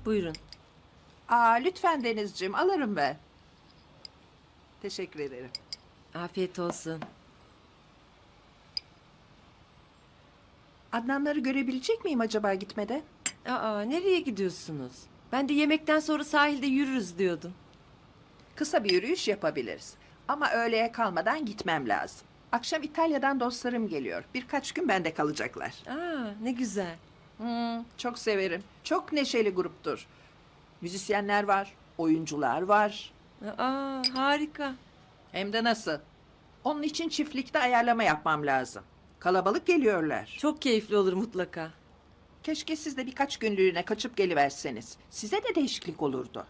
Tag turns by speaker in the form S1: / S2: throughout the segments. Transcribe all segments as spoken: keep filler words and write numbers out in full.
S1: Buyurun.
S2: Aa, lütfen Denizciğim, alırım ben. Teşekkür ederim.
S1: Afiyet olsun.
S2: Adnanları görebilecek miyim acaba gitmeden?
S1: Aa, nereye gidiyorsunuz? Ben de yemekten sonra sahilde yürürüz diyordum.
S2: Kısa bir yürüyüş yapabiliriz. Ama öğleye kalmadan gitmem lazım. Akşam İtalya'dan dostlarım geliyor. Birkaç gün bende kalacaklar.
S1: Aa, ne güzel.
S2: Hmm, çok severim. Çok neşeli gruptur. Müzisyenler var, oyuncular var.
S1: Aa, harika.
S2: Hem de nasıl? Onun için çiftlikte ayarlama yapmam lazım. Kalabalık geliyorlar.
S1: Çok keyifli olur mutlaka.
S2: Keşke siz de birkaç günlüğüne kaçıp geliverseniz. Size de değişiklik olurdu.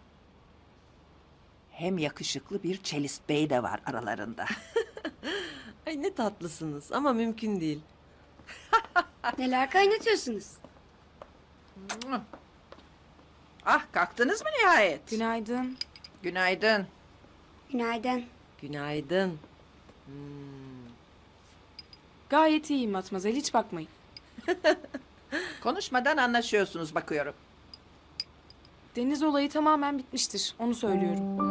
S2: Hem yakışıklı bir Çelist Bey de var aralarında.
S1: Ay ne tatlısınız ama mümkün değil.
S3: Neler kaynatıyorsunuz?
S2: Ah, kalktınız mı nihayet?
S4: Günaydın.
S2: Günaydın.
S3: Günaydın.
S1: Günaydın.
S4: Gayet iyiyim Matmazel, hiç bakmayın.
S2: Konuşmadan anlaşıyorsunuz bakıyorum.
S4: Deniz olayı tamamen bitmiştir, onu söylüyorum.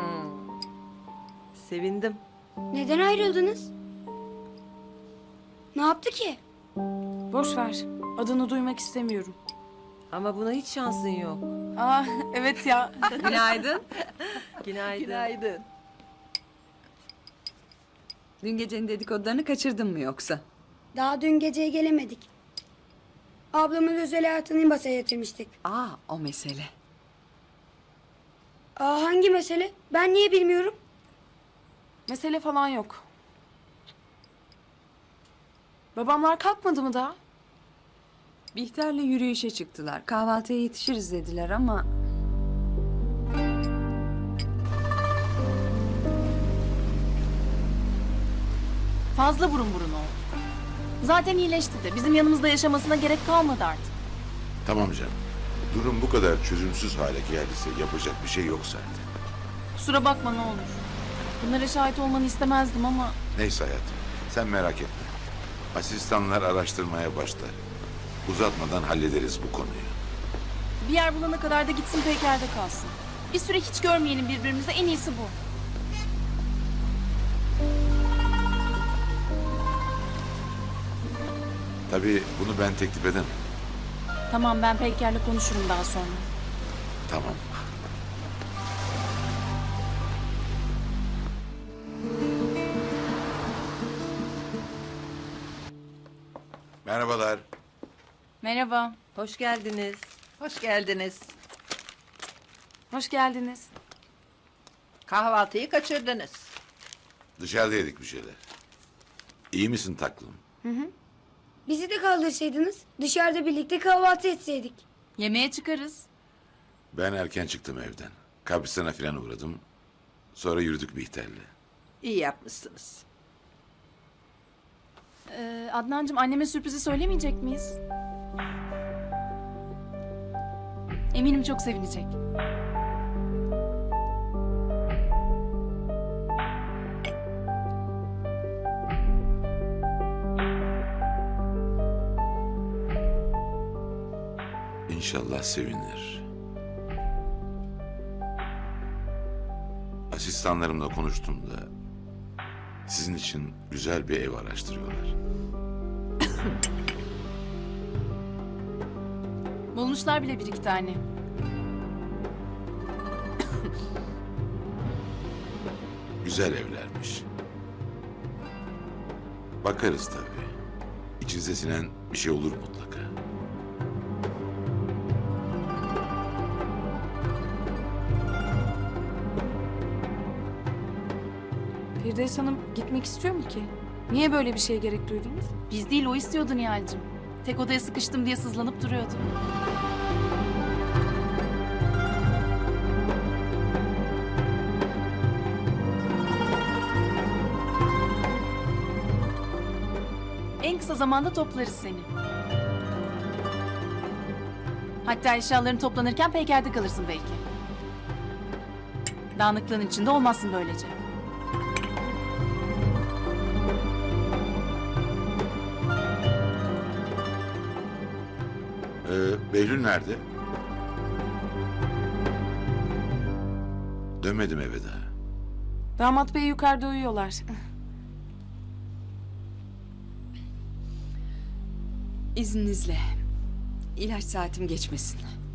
S1: Sevindim.
S3: Neden ayrıldınız? Ne yaptı ki?
S4: Boş ver, adını duymak istemiyorum.
S1: Ama buna hiç şansın yok.
S4: Aa, evet ya.
S1: Günaydın. Günaydın.
S2: Günaydın.
S5: Dün gecenin dedikodularını kaçırdın mı yoksa?
S3: Daha dün geceye gelemedik. Ablamın özel hayatını masaya yatırmıştık.
S5: Aa, o mesele.
S3: Aa, hangi mesele? Ben niye bilmiyorum?
S4: Mesele falan yok. Babamlar kalkmadı mı daha?
S5: Bihter'le yürüyüşe çıktılar. Kahvaltıya yetişiriz dediler ama...
S6: Fazla burun burun oldu. Zaten iyileşti de bizim yanımızda yaşamasına gerek kalmadı artık.
S7: Tamam canım. Durum bu kadar çözümsüz hale geldiyse yapacak bir şey yok zaten.
S6: Kusura bakma ne olur. Bunlara şahit olmanı istemezdim ama
S7: Neyse hayatım, sen merak etme. Asistanlar araştırmaya başlar. Uzatmadan hallederiz bu konuyu.
S6: bir yer bulana kadar da gitsin Peyker'de kalsın. Bir süre hiç görmeyelim birbirimizi, en iyisi bu.
S7: Tabii bunu ben teklif edemem.
S6: Tamam, ben Peyker'le konuşurum daha sonra.
S7: Tamam. Merhabalar.
S6: Merhaba.
S1: Hoş geldiniz.
S2: Hoş geldiniz.
S4: Hoş geldiniz.
S2: Kahvaltıyı kaçırdınız.
S7: Dışarıda yedik bir şeyler. İyi misin taklım?
S3: Bizi de kaldırsaydınız dışarıda birlikte kahvaltı etseydik.
S6: Yemeğe çıkarız.
S7: Ben erken çıktım evden. Kabristan'a falan uğradım. Sonra yürüdük Bihter'le.
S2: İyi yapmışsınız.
S6: Ee, Adnancığım, anneme sürprizi söylemeyecek miyiz? Eminim çok sevinecek.
S7: İnşallah sevinir. Asistanlarımla konuştum da sizin için güzel bir ev araştırıyorlar.
S6: Bulmuşlar bile bir iki tane.
S7: Güzel evlermiş. Bakarız tabii. İçinize sinen bir şey olur mutlaka.
S4: Firdevs Hanım gitmek istiyor mu ki? Niye böyle bir şeye gerek duydunuz?
S6: Biz değil, o istiyordu Nihal'cığım. Tek odaya sıkıştım diye sızlanıp duruyordu. En kısa zamanda toplarız seni. Hatta eşyaların toplanırken Peyker'de kalırsın belki. Dağınıklığın içinde olmazsın böylece.
S7: Ee, Behlül nerede? Dönmedim eve daha.
S4: Damat bey yukarıda uyuyorlar.
S5: İzninizle. İlaç saatim geçmesin.